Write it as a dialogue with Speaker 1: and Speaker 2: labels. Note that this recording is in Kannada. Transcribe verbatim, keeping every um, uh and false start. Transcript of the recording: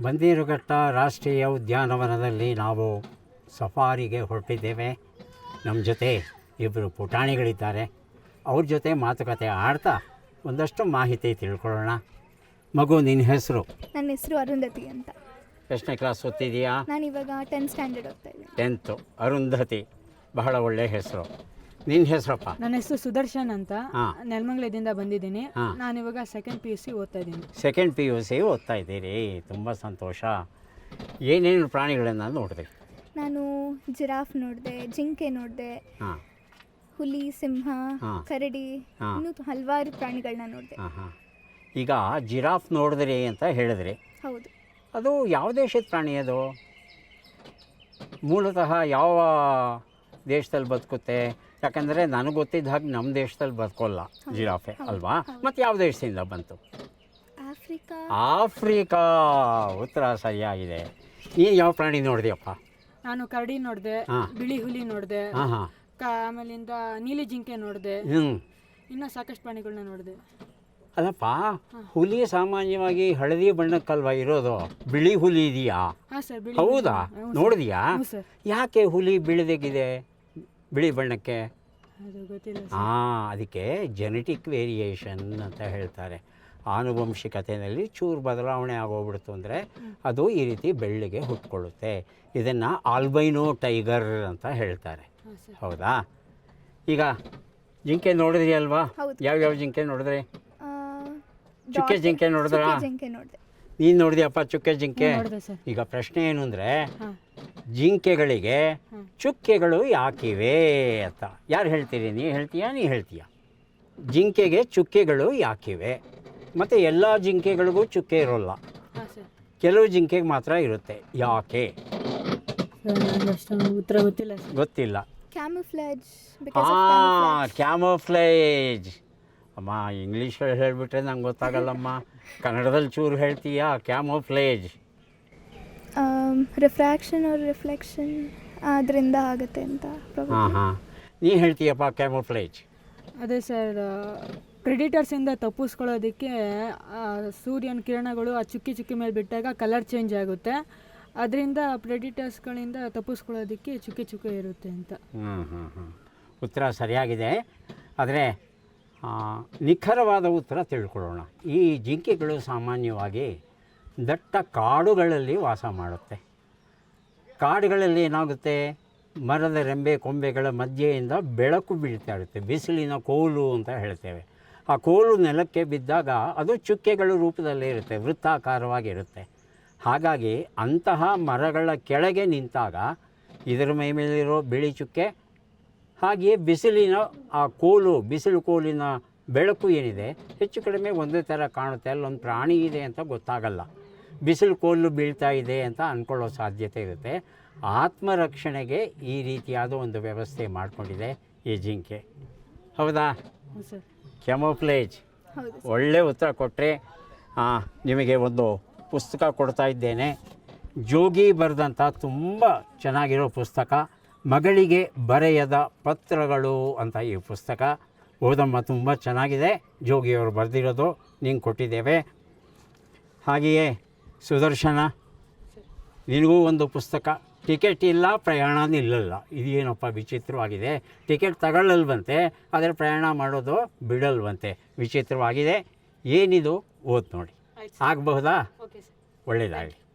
Speaker 1: ಬನ್ನೇರುಘಟ್ಟ ರಾಷ್ಟ್ರೀಯ ಉದ್ಯಾನವನದಲ್ಲಿ ನಾವು ಸಫಾರಿಗೆ ಹೊರಟಿದ್ದೇವೆ. ನಮ್ಮ ಜೊತೆ ಇಬ್ಬರು ಪುಟಾಣಿಗಳಿದ್ದಾರೆ. ಅವ್ರ ಜೊತೆ ಮಾತುಕತೆ ಆಡ್ತಾ ಒಂದಷ್ಟು ಮಾಹಿತಿ ತಿಳ್ಕೊಳ್ಳೋಣ. ಮಗು, ನಿನ್ನ ಹೆಸರು?
Speaker 2: ನನ್ನ ಹೆಸರು ಅರುಂಧತಿ ಅಂತ.
Speaker 1: ಎಷ್ಟನೇ ಕ್ಲಾಸ್ ಓದ್ತಿದೀಯಾ?
Speaker 2: ನಾನು ಇವಾಗ ಟೆಂತ್ ಸ್ಟ್ಯಾಂಡರ್ಡ್ ಓದ್ತಾ ಇದ್ದೀನಿ.
Speaker 1: ಟೆಂತು. ಅರುಂಧತಿ, ಬಹಳ ಒಳ್ಳೆಯ ಹೆಸರು. ನಿನ್ನ ಹೆಸರಪ್ಪ?
Speaker 3: ನನ್ನ ಹೆಸರು ಸುದರ್ಶನ್ ಅಂತ.
Speaker 1: ಹಾಂ.
Speaker 3: ನೆಲಮಂಗಲದಿಂದ ಬಂದಿದ್ದೀನಿ.
Speaker 1: ಹಾಂ.
Speaker 3: ನಾನು ಇವಾಗ ಸೆಕೆಂಡ್ ಪಿ ಯು ಸಿ ಓದ್ತಾ ಇದ್ದೀನಿ.
Speaker 1: ಸೆಕೆಂಡ್ ಪಿ ಯು ಸಿ ಓದ್ತಾ ಇದ್ದೀರಿ, ತುಂಬ ಸಂತೋಷ. ಏನೇನು ಪ್ರಾಣಿಗಳನ್ನು ನೋಡಿದೆ?
Speaker 2: ನಾನು ಜಿರಾಫ್ ನೋಡಿದೆ, ಜಿಂಕೆ ನೋಡಿದೆ,
Speaker 1: ಹಾಂ
Speaker 2: ಹುಲಿ, ಸಿಂಹ,
Speaker 1: ಹಾಂ.
Speaker 2: ಕರಡಿ,
Speaker 1: ಹಾಂ.
Speaker 2: ಇನ್ನೂ ಹಲವಾರು ಪ್ರಾಣಿಗಳನ್ನ ನೋಡಿದೆ.
Speaker 1: ಹಾಂ ಹಾಂ ಈಗ ಜಿರಾಫ್ ನೋಡಿದ್ರಿ ಅಂತ ಹೇಳಿದ್ರಿ.
Speaker 2: ಹೌದು.
Speaker 1: ಅದು ಯಾವ ದೇಶದ ಪ್ರಾಣಿ? ಅದು ಮೂಲತಃ ಯಾವ ದೇಶದಲ್ಲಿ ಬದುಕುತ್ತೆ? ಯಾಕಂದರೆ ನನಗೆ ಗೊತ್ತಿದ್ದ ಹಾಗೆ ನಮ್ಮ ದೇಶದಲ್ಲಿ ಬದುಕೋಲ್ಲ ಜಿರಾಫೆ, ಅಲ್ವಾ? ಮತ್ತು ಯಾವ ದೇಶದಿಂದ ಬಂತು?
Speaker 2: ಆಫ್ರಿಕಾ.
Speaker 1: ಆಫ್ರಿಕಾ. ಉತ್ತರ ಸರಿಯಾಗಿದೆ. ನೀನು ಯಾವ ಪ್ರಾಣಿ ನೋಡಿದೆಯಪ್ಪ?
Speaker 3: ನಾನು ಕರಡಿ ನೋಡಿದೆ,
Speaker 1: ಹಾಂ.
Speaker 3: ಬಿಳಿ ಹುಲಿ ನೋಡಿದೆ,
Speaker 1: ಹಾಂ ಹಾಂ
Speaker 3: ಆಮೇಲಿಂದ ನೀಲಿ ಜಿಂಕೆ ನೋಡಿದೆ,
Speaker 1: ಹ್ಞೂ
Speaker 3: ಇನ್ನೂ ಸಾಕಷ್ಟು ಪ್ರಾಣಿಗಳನ್ನ ನೋಡಿದೆ.
Speaker 1: ಅಲ್ಲಪ್ಪ, ಹುಲಿ ಸಾಮಾನ್ಯವಾಗಿ ಹಳದಿ ಬಣ್ಣಕ್ಕಲ್ವಾ ಇರೋದು? ಬಿಳಿ ಹುಲಿ ಇದೆಯಾ?
Speaker 3: ಹಾಂ ಸರ್, ಬಿಳಿ
Speaker 1: ಹೌದಾ?
Speaker 3: ಹುಲಿ. ಹ್ಞೂ
Speaker 1: ನೋಡಿದ್ಯಾ?
Speaker 3: ಹ್ಞೂ ಸರ್.
Speaker 1: ಯಾಕೆ ಹುಲಿ ಬಿಳಿದೆಗಿದೆ ಬಿಳಿ ಬಣ್ಣಕ್ಕೆ?
Speaker 3: ಅದು ಗೊತ್ತಿಲ್ಲ ಸರ್.
Speaker 1: ಹಾಂ, ಅದಕ್ಕೆ ಜೆನೆಟಿಕ್ ವೇರಿಯೇಷನ್ ಅಂತ ಹೇಳ್ತಾರೆ. ಆನುವಂಶಿಕತೆಯಲ್ಲಿ ಚೂರು ಬದಲಾವಣೆ ಆಗೋಗ್ಬಿಡ್ತು ಅಂದರೆ ಅದು ಈ ರೀತಿ ಬೆಳ್ಳಿಗೆ ಹುಟ್ಕೊಳ್ಳುತ್ತೆ. ಇದನ್ನು ಆಲ್ಬೈನೋ ಟೈಗರ್ ಅಂತ ಹೇಳ್ತಾರೆ.
Speaker 3: ಹಾಂ ಸರ್.
Speaker 1: ಹೌದಾ? ಈಗ ಜಿಂಕೆ ನೋಡಿದ್ರಿ ಅಲ್ವಾ?
Speaker 2: ಹೌದು.
Speaker 1: ಯಾವ್ಯಾವ ಜಿಂಕೆ ನೋಡಿದ್ರಿ?
Speaker 2: ಆ,
Speaker 1: ಚುಕ್ಕೆ
Speaker 2: ಡಾಟ್-
Speaker 1: ಜಿಂಕೆ ನೋಡಿದ್ರಾ?
Speaker 2: ಚುಕ್ಕೆ ಜಿಂಕೆ ನೋಡಿದೆ.
Speaker 1: ನೀನು ನೋಡಿದ್ಯಪ್ಪ ಚುಕ್ಕೆ ಜಿಂಕೆ?
Speaker 3: ಹ್ಞೂ, ನೋಡಿದೆ ಸರ್.
Speaker 1: ಈಗ ಪ್ರಶ್ನೆ ಏನು ಅಂದರೆ,
Speaker 3: ಹಾಂ.
Speaker 1: ಜಿಂಕೆಗಳಿಗೆ
Speaker 3: ಹಾಂ.
Speaker 1: ಚುಕ್ಕೆಗಳು ಯಾಕಿವೆ ಅಂತ ಯಾರು ಹೇಳ್ತೀರಿ? ನೀ ಹೇಳ್ತೀಯಾ ನೀ ಹೇಳ್ತೀಯಾ? ಜಿಂಕೆಗೆ ಚುಕ್ಕೆಗಳು ಯಾಕಿವೆ? ಮತ್ತು ಎಲ್ಲ ಜಿಂಕೆಗಳಿಗೂ ಚುಕ್ಕೆ ಇರೋಲ್ಲ,
Speaker 3: ಹಾಂ ಸರ್.
Speaker 1: ಕೆಲವು ಜಿಂಕೆಗೆ ಮಾತ್ರ ಇರುತ್ತೆ. ಯಾಕೆ?
Speaker 3: ಸರ್, ನನಗೆ ಅಷ್ಟೊಂದು ಉತ್ತರ ಗೊತ್ತಿಲ್ಲ ಸರ್.
Speaker 1: ಗೊತ್ತಿಲ್ಲ.
Speaker 2: ಕ್ಯಾಮುಫ್ಲಾಜ್. because of
Speaker 1: ಹಾಂ,
Speaker 2: camouflage.
Speaker 1: ಕ್ಯಾಮೋಫ್ಲೇಜ್. ಅಮ್ಮ, ಇಂಗ್ಲೀಷಲ್ಲಿ ಹೇಳಿಬಿಟ್ರೆ ನಂಗೆ ಗೊತ್ತಾಗಲ್ಲಮ್ಮ. ಕನ್ನಡದಲ್ಲಿ ಚೂರು ಹೇಳ್ತೀಯಾ? ಕ್ಯಾಮೋಫ್ಲೇಜ್.
Speaker 2: ರಿಫ್ರಾಕ್ಷನ್ ಅವ್ರ ರಿಫ್ಲೆಕ್ಷನ್ ಅದರಿಂದ ಆಗುತ್ತೆ ಅಂತ probably.
Speaker 1: ಹಾಂ ಹಾಂ ನೀ ಹೇಳ್ತೀಯಪ್ಪ ಕ್ಯಾಮೋಫ್ಲೇಜ್?
Speaker 3: ಅದೇ ಸರ್, ಪ್ರೆಡಿಟರ್ಸಿಂದ ತಪ್ಪಿಸ್ಕೊಳ್ಳೋದಕ್ಕೆ ಆ, ಸೂರ್ಯನ ಕಿರಣಗಳು ಆ ಚುಕ್ಕಿ ಚುಕ್ಕಿ ಮೇಲೆ ಬಿಟ್ಟಾಗ ಕಲರ್ ಚೇಂಜ್ ಆಗುತ್ತೆ. ಅದರಿಂದ ಪ್ರೆಡಿಟರ್ಸ್ಗಳಿಂದ ತಪ್ಪಿಸ್ಕೊಳ್ಳೋದಕ್ಕೆ ಚುಕ್ಕಿ ಚುಕ್ಕಿ ಇರುತ್ತೆ ಅಂತ.
Speaker 1: ಹ್ಞೂ ಹ್ಞೂ ಹ್ಞೂ ಉತ್ತರ ಸರಿಯಾಗಿದೆ. ಆದರೆ ನಿಖರವಾದ ಉತ್ತರ ತಿಳ್ಕೊಳ್ಳೋಣ. ಈ ಜಿಂಕೆಗಳು ಸಾಮಾನ್ಯವಾಗಿ ದಟ್ಟ ಕಾಡುಗಳಲ್ಲಿ ವಾಸ ಮಾಡುತ್ತೆ. ಕಾಡುಗಳಲ್ಲಿ ಏನಾಗುತ್ತೆ, ಮರದ ರೆಂಬೆ ಕೊಂಬೆಗಳ ಮಧ್ಯೆಯಿಂದ ಬೆಳಕು ಬೀಳ್ತಾ ಇರುತ್ತೆ. ಬಿಸಿಲಿನ ಕೋಲು ಅಂತ ಹೇಳ್ತೇವೆ. ಆ ಕೋಲು ನೆಲಕ್ಕೆ ಬಿದ್ದಾಗ ಅದು ಚುಕ್ಕೆಗಳ ರೂಪದಲ್ಲೇ ಇರುತ್ತೆ, ವೃತ್ತಾಕಾರವಾಗಿರುತ್ತೆ. ಹಾಗಾಗಿ ಅಂತಹ ಮರಗಳ ಕೆಳಗೆ ನಿಂತಾಗ ಇದರ ಮೈ ಮೇಲಿರೋ ಬಿಳಿ ಚುಕ್ಕೆ, ಹಾಗೆಯೇ ಬಿಸಿಲಿನ ಆ ಕೋಲು, ಬಿಸಿಲು ಕೋಲಿನ ಬೆಳಕು ಏನಿದೆ ಹೆಚ್ಚು ಕಡಿಮೆ ಒಂದೇ ಥರ ಕಾಣುತ್ತೆ. ಅಲ್ಲೊಂದು ಪ್ರಾಣಿ ಇದೆ ಅಂತ ಗೊತ್ತಾಗಲ್ಲ. ಬಿಸಿಲು ಕೋಲು ಬೀಳ್ತಾ ಇದೆ ಅಂತ ಅಂದ್ಕೊಳ್ಳೋ ಸಾಧ್ಯತೆ ಇರುತ್ತೆ. ಆತ್ಮರಕ್ಷಣೆಗೆ ಈ ರೀತಿಯಾದ ಒಂದು ವ್ಯವಸ್ಥೆ ಮಾಡಿಕೊಂಡಿದೆ ಈ ಜಿಂಕೆ. ಹೌದಾ?
Speaker 3: ಹ್ಞೂ ಸರ್.
Speaker 1: ಕ್ಯಾಮೋಫ್ಲೇಜ್.
Speaker 2: ಹೌದು.
Speaker 1: ಒಳ್ಳೆ ಉತ್ತರ ಕೊಟ್ಟರೆ. ನಿಮಗೆ ಒಂದು ಪುಸ್ತಕ ಕೊಡ್ತಾ ಇದ್ದೇನೆ. ಜೋಗಿ ಬರೆದಂಥ ತುಂಬ ಚೆನ್ನಾಗಿರೋ ಪುಸ್ತಕ, ಮಗಳಿಗೆ ಬರೆಯದ ಪತ್ರಗಳು ಅಂತ ಈ ಪುಸ್ತಕ. ಓದಮ್ಮ, ತುಂಬ ಚೆನ್ನಾಗಿದೆ. ಜೋಗಿಯವರು ಬರೆದಿರೋದು ನಿಂಗೆ ಕೊಟ್ಟಿದ್ದೇವೆ. ಹಾಗೆಯೇ ಸುದರ್ಶನ, ನಿನಗೂ ಒಂದು ಪುಸ್ತಕ. ಟಿಕೆಟ್ ಇಲ್ಲ, ಪ್ರಯಾಣ ನಿಲ್ಲಲ್ಲ. ಇದೇನಪ್ಪ ವಿಚಿತ್ರವಾಗಿದೆ. ಟಿಕೆಟ್ ತಗೊಳ್ಳಲ್ವಂತೆ, ಆದರೆ ಪ್ರಯಾಣ ಮಾಡೋದು ಬಿಡಲ್ವಂತೆ. ವಿಚಿತ್ರವಾಗಿದೆ. ಏನಿದು? ಓದ್ ನೋಡಿ. ಆಗಬಹುದಾ?
Speaker 3: Okay sir.
Speaker 1: ಒಳ್ಳೆಯದಾಗಲಿ.